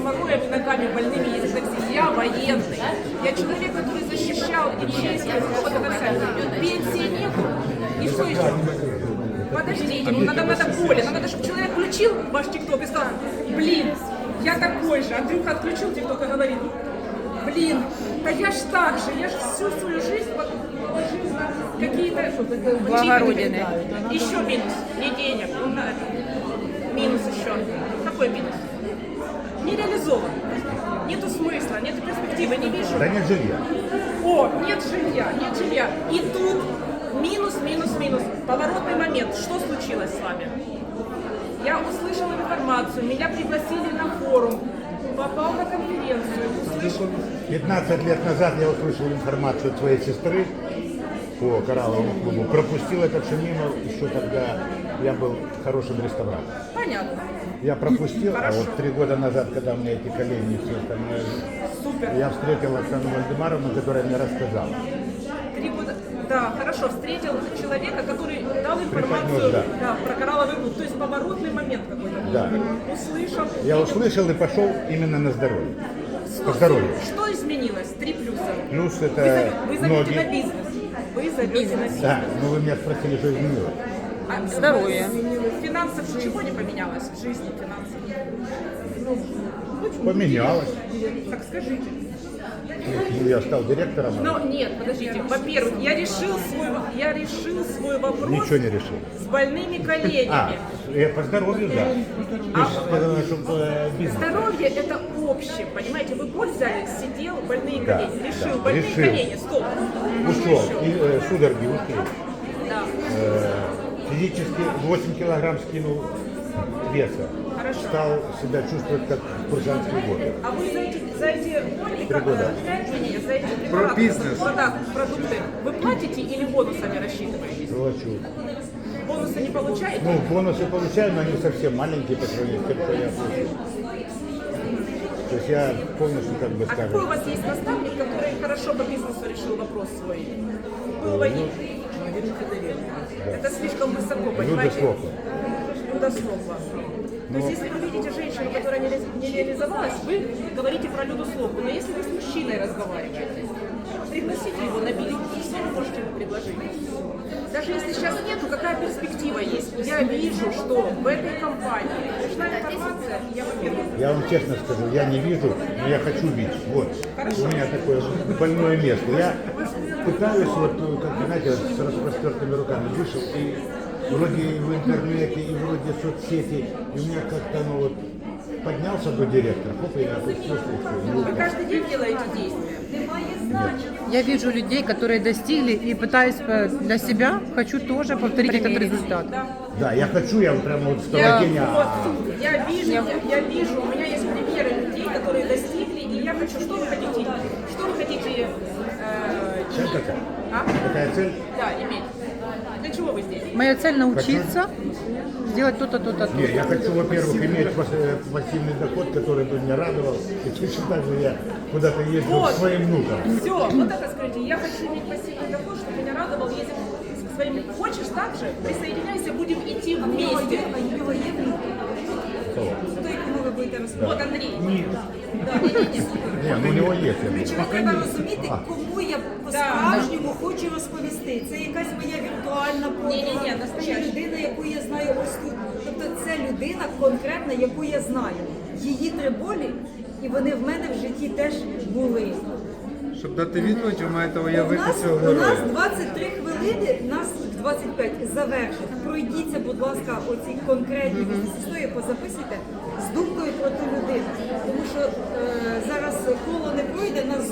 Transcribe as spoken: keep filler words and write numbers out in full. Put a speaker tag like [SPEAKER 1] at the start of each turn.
[SPEAKER 1] геморроем и ногами больными ездить в такси. Я военный. Я человек, который защищал и честь. Вот это вся. Пенсии нету. И что еще? Подождите, ну надо, надо более. Нам надо, чтобы человек включил ваш ТикТок и сказал, блин, я такой же. Андрюха отключил ТикТок и говорит, блин, да я ж так же, я же всю свою жизнь положил на какие-то
[SPEAKER 2] Благородины.
[SPEAKER 1] Еще минус, не денег. Минус еще. Какой минус? Не реализован. Нету смысла, нету перспективы, не вижу.
[SPEAKER 3] Да нет жилья.
[SPEAKER 1] О, нет жилья, нет жилья. И тут минус, минус, минус. Поворотный момент. Что случилось с вами? Я услышала информацию, меня пригласили на форум, попал на конференцию, услышал...
[SPEAKER 3] пятнадцать лет назад я услышал информацию от своей сестры по коралловому клубу. Пропустил это все мимо еще когда я был хорошим реставратором.
[SPEAKER 1] Понятно.
[SPEAKER 3] Я пропустил,
[SPEAKER 1] Хорошо.
[SPEAKER 3] а вот три года назад, когда у меня эти колени и все остальное,
[SPEAKER 1] Супер.
[SPEAKER 3] я встретил Оксану Вальдемаровну, которая мне рассказала.
[SPEAKER 1] Три года... Да, хорошо, встретил человека, который дал информацию
[SPEAKER 3] Преподнес, да.
[SPEAKER 1] да, про коралловый клуб. То есть поворотный момент какой-то был.
[SPEAKER 3] Да.
[SPEAKER 1] Услышал.
[SPEAKER 3] Я
[SPEAKER 1] видел.
[SPEAKER 3] услышал и пошел именно на здоровье.
[SPEAKER 1] Слушайте,
[SPEAKER 3] По здоровью.
[SPEAKER 1] Что изменилось? Три плюса.
[SPEAKER 3] Плюс
[SPEAKER 1] Вы,
[SPEAKER 3] это
[SPEAKER 1] зовете- вы зовете на
[SPEAKER 3] ноги.
[SPEAKER 1] бизнес. Вы зовете на бизнес.
[SPEAKER 3] Да, но вы меня спросили, что изменилось.
[SPEAKER 1] А
[SPEAKER 2] Здоровье.
[SPEAKER 1] Финансов чего не поменялось в жизни финансов?
[SPEAKER 3] Поменялось.
[SPEAKER 1] Так скажите.
[SPEAKER 3] Ну, я стал директором.
[SPEAKER 1] Но нет, подождите. Во-первых, я решил свой, я решил свой вопрос
[SPEAKER 3] Ничего не решил.
[SPEAKER 1] с больными коленями.
[SPEAKER 3] А, я по здоровью, да. Ты же сказала, что э, бизнес.
[SPEAKER 1] Здоровье это общее, понимаете? Вы боль взяли, сидел, больные
[SPEAKER 3] Да,
[SPEAKER 1] колени. Решил,
[SPEAKER 3] да,
[SPEAKER 1] больные
[SPEAKER 3] решил.
[SPEAKER 1] колени, стоп.
[SPEAKER 3] Ушел, и э, судороги ушли.
[SPEAKER 1] Да.
[SPEAKER 3] Э, физически восемь килограмм скинул веса.
[SPEAKER 1] Хорошо.
[SPEAKER 3] Стал себя чувствовать как в курсантские годы.
[SPEAKER 1] А вы за эти, за эти боли,
[SPEAKER 3] Три года.
[SPEAKER 1] не, не, за эти препараты,
[SPEAKER 4] бизнес.
[SPEAKER 1] продукты, продукты, вы платите или бонусами рассчитываете?
[SPEAKER 3] Плачу.
[SPEAKER 1] Бонусы не получаете?
[SPEAKER 3] Ну, бонусы получаю, но они совсем маленькие по сравнению с тем, что я получил. То есть я полностью, как бы
[SPEAKER 1] А какой у
[SPEAKER 3] скажем,
[SPEAKER 1] вас есть наставник, который хорошо по бизнесу решил вопрос свой? Был водитель. Это слишком высоко, понимаете?
[SPEAKER 3] Слопа.
[SPEAKER 1] Люда Слопа. То есть, если вы видите женщину, которая не, ре- не реализовалась, вы говорите про Люду Слопу. Но если вы с мужчиной разговариваете, пригласите его на билет, что вы можете ему предложить? Даже если сейчас нету, какая перспектива есть? Я вижу, что в этой компании нужна информация. Я, во-первых,
[SPEAKER 3] Я вам честно скажу, я не вижу, но я хочу видеть. Вот,
[SPEAKER 1] Хорошо.
[SPEAKER 3] у меня такое больное место. Я пытаюсь, вот, как вы знаете, с распростертыми руками вышел, и вроде и в интернете, и вроде соцсети, и у меня как-то, ну вот, поднялся до директора, хоп, и я опустился, и все, и
[SPEAKER 1] вы
[SPEAKER 3] упал.
[SPEAKER 1] каждый день делаете действия.
[SPEAKER 2] Я вижу людей, которые достигли и пытаюсь по- для себя, хочу тоже повторить этот результат.
[SPEAKER 1] Да.
[SPEAKER 3] Да, я хочу, я прямо вот в
[SPEAKER 1] Я,
[SPEAKER 3] колокене,
[SPEAKER 1] вот,
[SPEAKER 3] а,
[SPEAKER 1] я вижу, я, я вижу, у меня есть примеры людей, которые достигли, и я хочу, что вы хотите, что вы хотите, э,
[SPEAKER 3] цель какая?
[SPEAKER 1] а?
[SPEAKER 3] Какая цель?
[SPEAKER 1] Да, иметь. Для чего вы здесь?
[SPEAKER 2] Моя цель научиться сделать то-то, то-то,
[SPEAKER 3] Не, я
[SPEAKER 2] то-то.
[SPEAKER 3] хочу, во-первых, иметь пас- э, пассивный доход, который бы меня радовал, и точно так же я куда-то ездил
[SPEAKER 1] Вот.
[SPEAKER 3] к своим внукам.
[SPEAKER 1] Все, вот это скажите, я хочу иметь пассивный доход, чтобы меня радовал, ездить с своими. Хочешь так же? Присоединяйся, будем идти вместе. Вот Андрей.
[SPEAKER 3] Не, ну у него есть. я
[SPEAKER 5] Коротше,
[SPEAKER 3] думаю.
[SPEAKER 5] ви треба розуміти, кому я по-справжньому хочу розповісти. Це якась моя віртуальна
[SPEAKER 1] Ні-ні-ні,
[SPEAKER 5] подруга,
[SPEAKER 1] настояща.
[SPEAKER 5] чи людина, яку я знаю ось тут. Тобто це людина конкретна, яку я знаю. Її три болі, і вони в мене в житті теж були.
[SPEAKER 4] Щоб дати відповідь, ви маєте
[SPEAKER 5] У
[SPEAKER 4] уявити
[SPEAKER 5] нас,
[SPEAKER 4] цього
[SPEAKER 5] у нас
[SPEAKER 4] героя.
[SPEAKER 5] двадцять три хвилини, нас двадцять п'ять завершить. Пройдіться, будь ласка, оці конкретні історії, позаписуйте з думкою про ту людину. Тому що е, зараз коло не пройде, нас